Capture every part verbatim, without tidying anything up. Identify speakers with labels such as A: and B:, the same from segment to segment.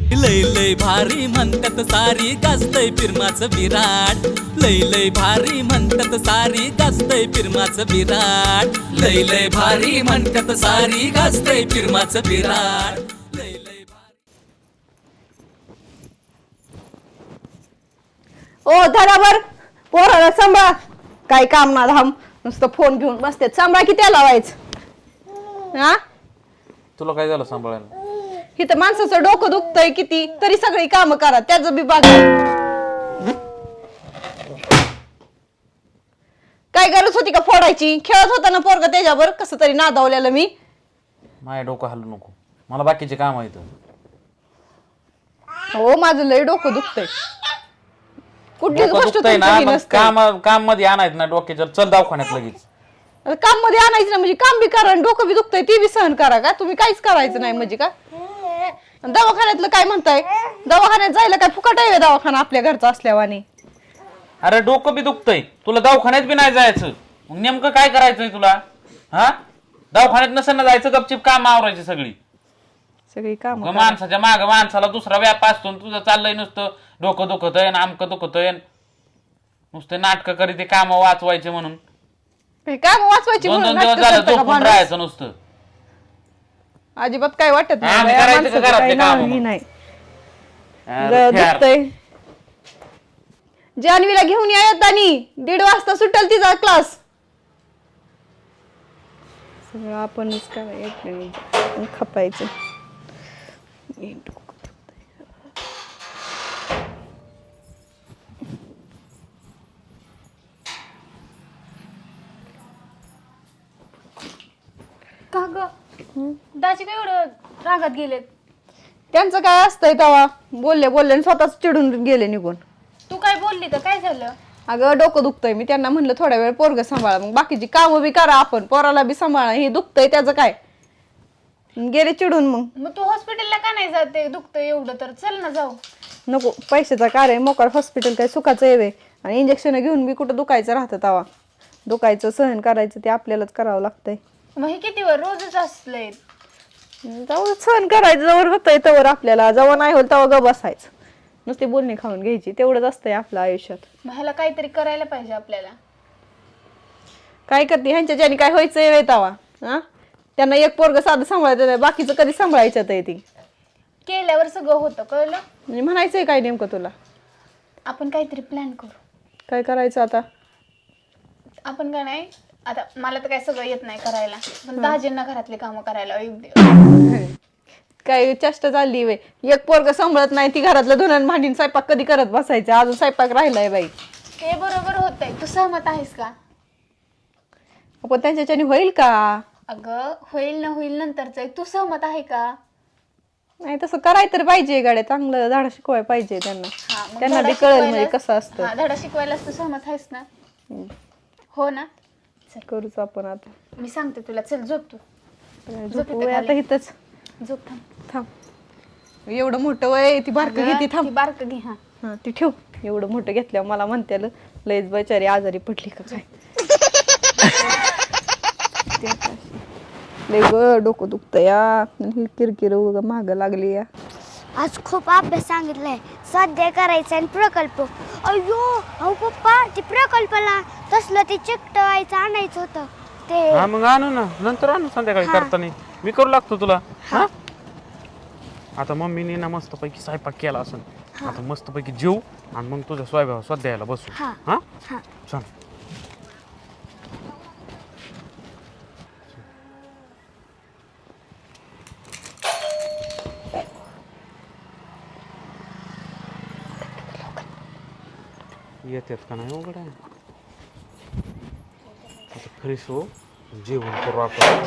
A: लय लय भारी म्हणतात सारी गाजतय फिरमाचं विराट लय लय भारी म्हणतात सारी गाजतय फिरमाचं विराट लय लय भारी म्हणतात सारी गाजतय फिरमाचं विराट लय लय भारी.
B: ओ धरावर पोराला सांभाळ काय काम ना धाम नुसतं फोन घेऊन बसते सांभाळ की त्याला लावायचं हा
C: तुला काय झालं सांभाळायला
B: इथं माणसाचं डोकं दुखतंय किती तरी सगळी कामं करा त्याचं बी बघा काय गरज होती का फोडायची खेळत होता ना पोरगा त्याच्यावर कसं तरी नादावलेलं मी
C: माझ्या डोकं हलू नको मला बाकीचे काम आहेत
B: हो माझं लय डोकं दुखतंय कुठलीच
C: डोकं
B: गोष्ट
C: दुखतंय ना
B: तुमची
C: मग
B: नसते
C: काम काम मध्ये आणायचं ना डोक्याच्या चल दवाखान्यात लगेच
B: काम मध्ये आणायचं ना म्हणजे काम बी करा आणि डोकं बी दुखतंय ते बी सहन करा का तुम्ही काहीच करायचं नाही म्हणजे का दवाखान्यातलं काय म्हणताय दवाखान्यात जायला काय फुकट आहे दवाखाना आपल्या घरचा असल्यावानी
C: अरे डोकं बी दुखतंय तुला दवाखान्यात बी नाही जायचं मग नेमकं काय करायचंय तुला हा दवाखान्यात नसेल ना जायचं गपचिप काम आवरायची सगळी
B: सगळी काम
C: मग माणसाच्या माग माणसाला दुसरा व्याप असतो आणि तुझं चाललंय नुसतं डोकं दुखतंय ना आमकं दुखतंय नुसतं नाटकं करी ते काम वाचवायचे म्हणून
B: काम वाचवायची
C: दोन
B: म्हणून
C: दोन दिवस
B: नाटकं
C: झालं
B: करता का
C: झोपून
B: माणूस?
C: राहायचं नुसतं
B: अजिबात काय वाटत
C: आम्ही
B: नाही
C: करायचं
B: माणसाचं
C: का घरातले
B: काही
C: कामं
B: नावही
C: मग?
B: नाही
C: अरे
B: ग-
C: यार.
B: दुखतंय जान्हवीला घेऊन या आणि दीड वाजता सुटेल तिचा क्लास सगळं आपणच करायचं खपायचं
D: का ग दाजी काय एवढं रागात गेलेत
B: त्यांचं काय असतंय तेव्हा बोलले बोलले आणि स्वतःच चिडून गेले निघून
D: तू काय बोलली तर काय झालं
B: अगं डोकं दुखतंय मी त्यांना म्हणलं थोड्या वेळ पोरग सांभाळा मग बाकीची कामं बी करा आपण पोराला बी सांभाळा हे दुखतंय त्याचं काय गेले चिडून मग
D: मग तू हॉस्पिटलला का नाही जाते दुखतं एवढं तर चल ना जाऊ
B: नको पैशाचा कार्य आहे मोकाळ हॉस्पिटल काय सुखाचं येवे आणि इंजेक्शन घेऊन बी कुठं दुखायचं राहतं तवा दुखायचं सहन करायचं ते आपल्यालाच करावं लागतंय
D: मग हे किती वर रोजच असलंय
B: जाऊ सहन करायचं जवळ होतंय तवर आपल्याला जेव्हा नाही होईल तेव्हा ग बसायचं नुसते बोलणी खाऊन घ्यायची तेवढंच असतंय आपल्या आयुष्यात
D: मग ह्याला काहीतरी करायला पाहिजे आपल्याला
B: काय करते ह्यांच्या ज्याने काय व्हायचं येवे तवा हा त्यांना एक पोरग साधं सांभाळायचं नाही बाकीचं कधी सांभाळायचं आहे ती
D: केल्यावर सगळं होतं कळलं
B: म्हणजे म्हणायचंय काय नेमकं तुला
D: आपण काहीतरी प्लॅन करू
B: काय करायचं आता
D: आपण काय नाही आता मला तर काय सगळं येत नाही करायला पण दाजींना घरातली कामं करायला योग्य
B: काय चेष्टा चालली वे एक पोरग सांभाळत नाही ती घरातलं धुणं भांडीन स्वयंपाक कधी करत बसायचं अजून स्वयंपाक राहिलाय बाई
D: ते बरोबर होतंय तू सहमत आहेस का
B: आपण त्यांच्याच्याने होईल का
D: अगं होईल ना होईल नंतरच तू सहमत आहे का
B: नाही तसं करायला तर पाहिजे गाड्या चांगलं धडा शिकवाय पाहिजे त्यांना
D: हा, मग
B: त्यांना
D: धडा
B: बी कळेल म्हणजे
D: शिकवायला-
B: कसं असतं
D: हा, धडा शिकवायलाच तू सहमत आहेस ना हो ना
B: करूच आपण आता
D: मी सांगते तुला चल झोप तू
B: झोपू वय आता इथंच
D: झोप थांब
B: थांब एवढं मोठं वय ती बारकं
D: अगं,
B: घेते थांब
D: ती बारक घे हा
B: हा ती ठेव एवढं मोठं घेतल्यावर मला म्हणते लयच बिचारी आजारी पडली का काय ते आता अशी. लय ग डोकं दुखतं या किरकिर माग लागली या
E: आज खूप अभ्यास सांगितलाय स्वाध्याय करायचा आणि प्रकल्प अयो अहो पप्पा ते प्रकल्पाला तसलं ते चिकटवायचं आणायचं होतं ते
C: हा मग आणू ना नंतर आणू संध्याकाळी करताना मी करू लागतो तुला हा आता मम्मीने ना मस्तपैकी स्वयंपाक केला असं आता मस्तपैकी जेऊ आणि मग तुझ्या स्वयंपाक स्वाध्यायाला बसू
E: हा.
C: हा
E: हा.
C: चल येतात का नाही उघड आहे आता फ्रेश हो जेवण करू आपण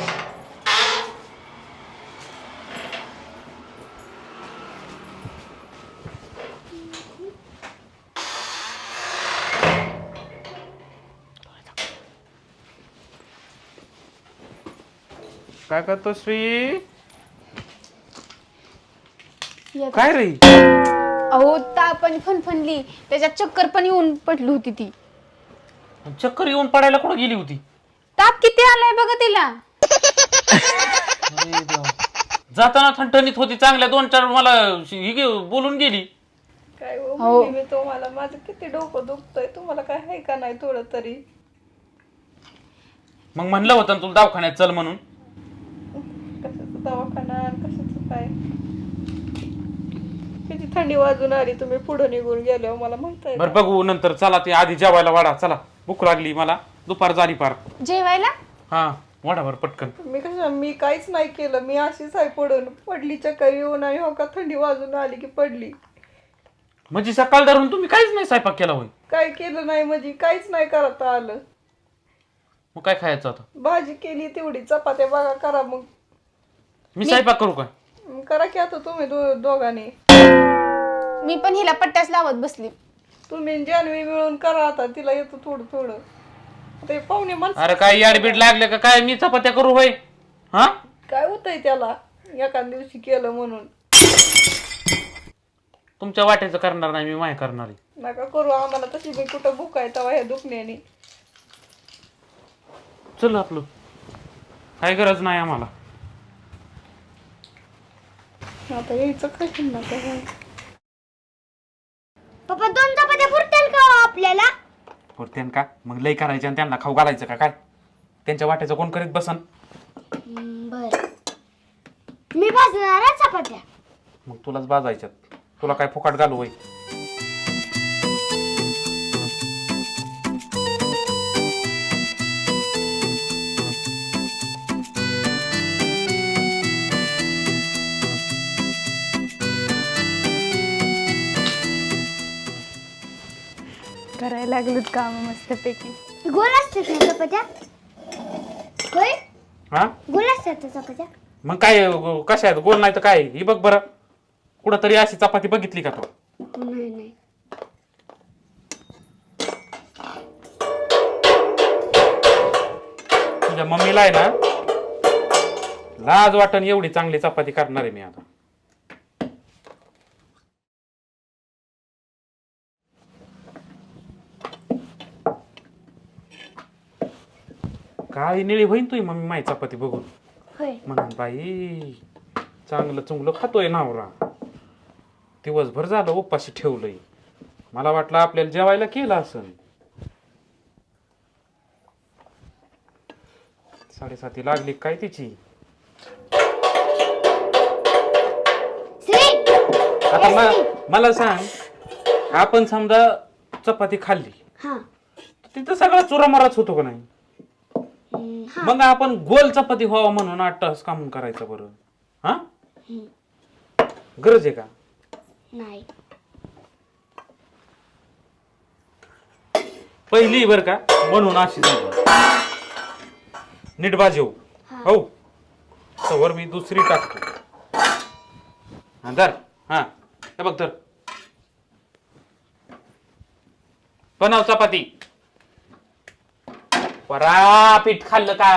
C: काय करतो श्री काय रे
D: अहो ताप आणि फणफणली त्याच्यात चक्कर पण येऊन पडली होती ती
C: चक्कर येऊन पडायला कुठं गेली होती
D: ताप किती आलाय बघा तिला
C: अरे देवा. जाताना थणथणीत होती चांगल्या दोन चार मला ही गे- बोलून गेली.
B: काय हो
D: हो.
B: म्हणली मी तुम्हाला माझं किती डोकं दुखतंय तुम्हाला काय आहे का नाही थोडं तरी
C: मग म्हणलं होतं ना तुला दवाखान्यात चल म्हणून.
B: कशाचं दवाखाना आणि कशाचं काय किती थंडी वाजून आली तुम्ही पुढे निघून गेल्यावर मला म्हणताय
C: बरं बघू नंतर. चला ते आधी जेवायला वाढा. चला भूक लागली मला. दुपार झाली पार.
D: जेवायला
C: हा वाढा बरं पटकन.
B: मी कसं मी काहीच नाही केलं मी अशीच आहे पडून पडली चक्कर येऊन आणि हो का थंडी वाजून आली की पडली
C: म्हणजे सकाळ धरून तुम्ही काहीच नाही स्वयंपाक केला होय?
B: काय केलं नाही म्हणजे काहीच नाही करता आलं
C: मग काय खायचं आता?
B: भाजी केली तेवढी चपात्या बघा करा मग
C: मी स्वयंपाक करू काय?
B: मग करा की आता तुम्ही दो दोघांनी
D: मी पण हिला पट्ट्याच लावत बसली.
B: तुम्ही आणि जान्हवी मिळून करा आता तिला येतं थोडं थोडं ते पाहुणे माणसं
C: अरे काय याडबीड लागले का काय? मी चपात्या करू होय? हा
B: काय होतंय त्याला एका दिवशी केलं म्हणून
C: तुमच्या वाट्याचं करणार नाही मी माय करणार आहे.
B: नका करू आम्हाला तशी मी कुठं भूक आहे तेव्हा ह्या दुखण्याने
C: चल आपलं काय गरज नाही आम्हाला.
B: आता यायचं काय नका
E: पप्पा दोन चपात्या पुरतील का हो आपल्याला?
C: पुरतेन का? मग लय करायचे आणि त्यांना खाऊ घालायचं का काय? त्यांच्या वाट्याचं कोण करीत बसन?
E: बर मी भाजणार आहे चपात्या.
C: मग तुलाच बाजायच्यात. तुला काय फुकाट घालू होय?
D: करायला लागलेत काम मस्तपैकी.
E: गोल असतात ना चपात्या? होय
C: हा
E: गोल असतात ना चपात्या?
C: मग काय गो- कशा आहेत? गोल नाही तर काय? ही बघ बरं कुठं तरी अशी चपाती बघितली का तू?
E: नाही नाही
C: तुझ्या मम्मीला आहे ना लाज वाटण एवढी चांगली चपाती करणार आहे मी आता. काळी निळी होईन तुझी मम्मी माई चपाती बघून.
E: होय
C: म्हणून बाई चांगलं चुंगलं खातोय नावरा. दिवसभर झालं उपाशी ठेवलंय. मला वाटलं आपल्याला जेवायला केलं असन. साडेसाती लागली काय तिची.
E: श्री
C: आता म- मला सांग आपण समजा चपाती खाल्ली
E: हा
C: तर तिथं सगळा चुरामाराच होतो का नाही?
E: हम्म, हा
C: मग आपण गोल चपाती व्हावा म्हणून आठ तास कामून करायचं बरं? हा गरज आहे का?
E: नाही
C: पहिली बर का म्हणून अशी झाली. नीट बाजू हो तवर मी दुसरी टाकतो. हा धर. हा हे बघ धर. बनव चपाती. परा पीठ खाल्लं का?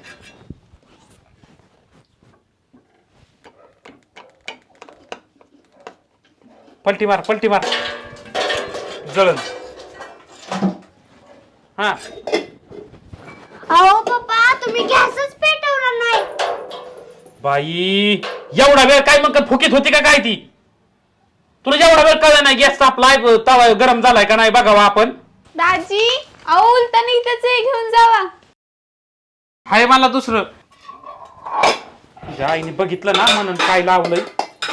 C: पलटी मार पलटी मार जळण. हा
E: अहो पप्पा तुम्ही गॅसच पेटवला नाही.
C: बाई एवढा वेळ काय मग फुकीत होती का काय ती? तुला एवढा वेळ कळलं नाही गॅस तापलाय तवा गरम झालाय का नाही बघावा आपण.
D: दाजी अहो उलताना इथंच आहे, घेऊन जावा.
C: हाय मला दुसरं. तुझ्या आईने बघितलं ना म्हणून काय लावलंय.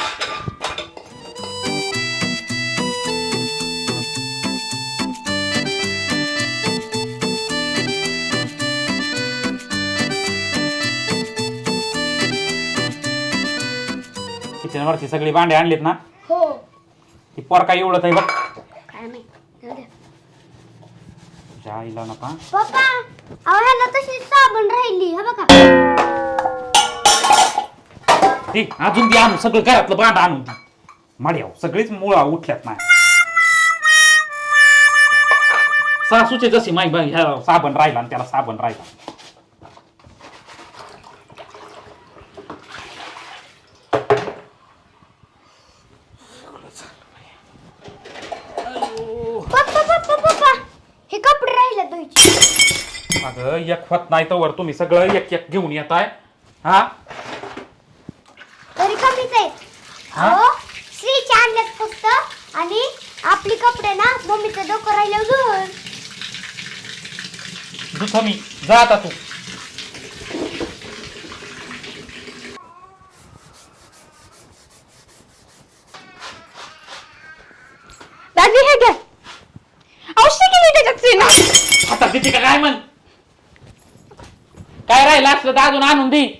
C: किचनवरती सगळी भांडे आणलीत ना?
E: हो
C: ती पोर काय एवढं आहे बघ.
E: काय नाही जाऊ द्या.
C: तुझ्या आईला नका.
E: पप्पा अहो ह्याला तशी साबण राहिली हा बघा.
C: ती अजून ती आणू सगळं घरातलं भांड आणून ती माड्याव सगळीच मुळा उठल्यात नाही. सासूचे जशी माई बाई ह्या साबण राहिला आणि त्याला साबण राहिला.
E: पप्पा पप्पा पप्पा हे कपडे राहिले धुवायचे.
C: अगं एक होत नाही तर वर तुम्ही सगळं एक एक घेऊन येताय. हा
E: अहो श्रीचे आणलेत फक्त आणि आपली कपडे ना मम्मीचं डोकं राहिलं घर.
C: दुथा मी जा आता तू.
B: दाजी हे घ्या. औषधी केली त्याच्यात सीना.
C: आता किती का काय म्हण काय राहिलं असलं तर अजून आणून दे.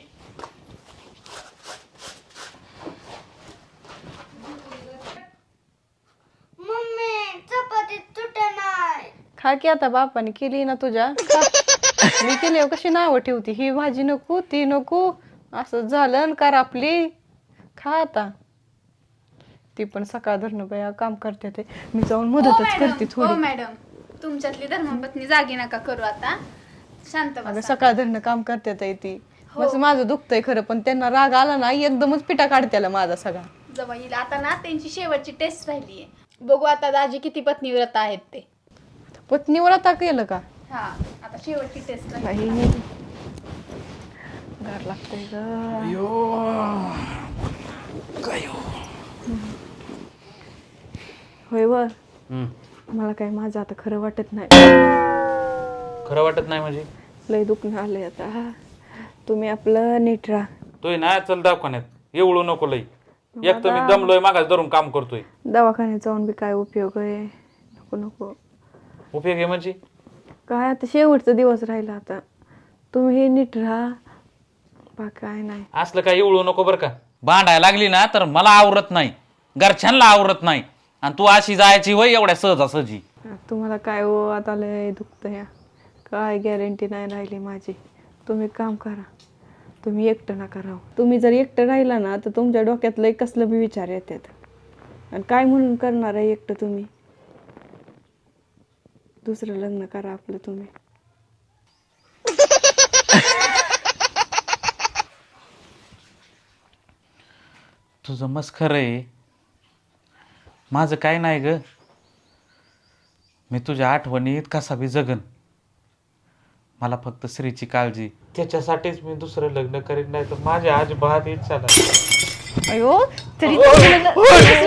E: मम्मी चपाती तुटे नाही.
B: खा की आता बापाने केली ना तुझ्या खा. मी केली कशी नावं ठेवती ही भाजी नको ती नको असं झालं कर आपली. खा आता. ती पण सकाळ धरणं बाया काम करते ते मी जाऊन
D: हो
B: मदतच
D: मॅडम,
B: करते
D: हो
B: थोडी.
D: मॅडम तुमच्यातली धर्मपत्नी जागी नका करू आता. शांत
B: अगं
D: बसा.
B: सकाळ धरणं काम करते ताई ती.
D: हो.
B: बस माझं दुखतंय खरं पण त्यांना राग आला ना एकदमच पिटा काढत्याला माझा सगळा.
D: जवळ येईल आता ना त्यांची शेवटची टेस्ट राहिली आहे. बघू आता दाजी किती पत्नीव्रत आहेत ते.
B: पत्नीवर आता केलं का
D: हा आता शेवटची टेस्ट राहिली.
B: काही गार लागतंय ग. होय वर मला काय माझं आता खरं वाटत नाही.
C: खरं वाटत नाही म्हणजे
B: लय दुखणं आलंय आता. तुम्ही आपलं नीट राहा.
C: तोय ना चल दवाखान्यात एवढं नको लई. एक तर मी दमलोय मागास धरून काम करतोय.
B: दवाखान्यात जाऊन बी काय उपयोग आहे. नको नको
C: उपयोग आहे म्हणजे
B: काय आता शेवटचा दिवस राहिला आता. तुम्ही नीट राहा बा काय नाही.
C: असलं काय एवढं नको बरं का. भांडायला लागली ना तर मला आवरत नाही घरच्यांना आवरत नाही आणि तू अशी जायची वय एवढ्या सहजासहजी.
B: तुम्हाला काय हो आता लय दुखतं या काय गॅरंटी नाही राहिली माझी. तुम्ही काम करा. तुम्ही एकटं नका राहू. तुम्ही जर एकटं राहिला ना तर तुमच्या डोक्यात लय कसलं बी विचार येतात आणि काय म्हणून करणार आहे एकटं तुम्ही. दुसरं लग्न करा आपलं तुम्ही.
C: तुझं मस्त खरं आहे. माझं काय नाही ग. मी तुझ्या आठवणीत कसा बी जगन. मला फक्त श्रीची काळजी त्याच्यासाठीच मी दुसरं लग्न करीन नाही तर माझ्या अजिबात इच्छा नाही.
B: अयो तरी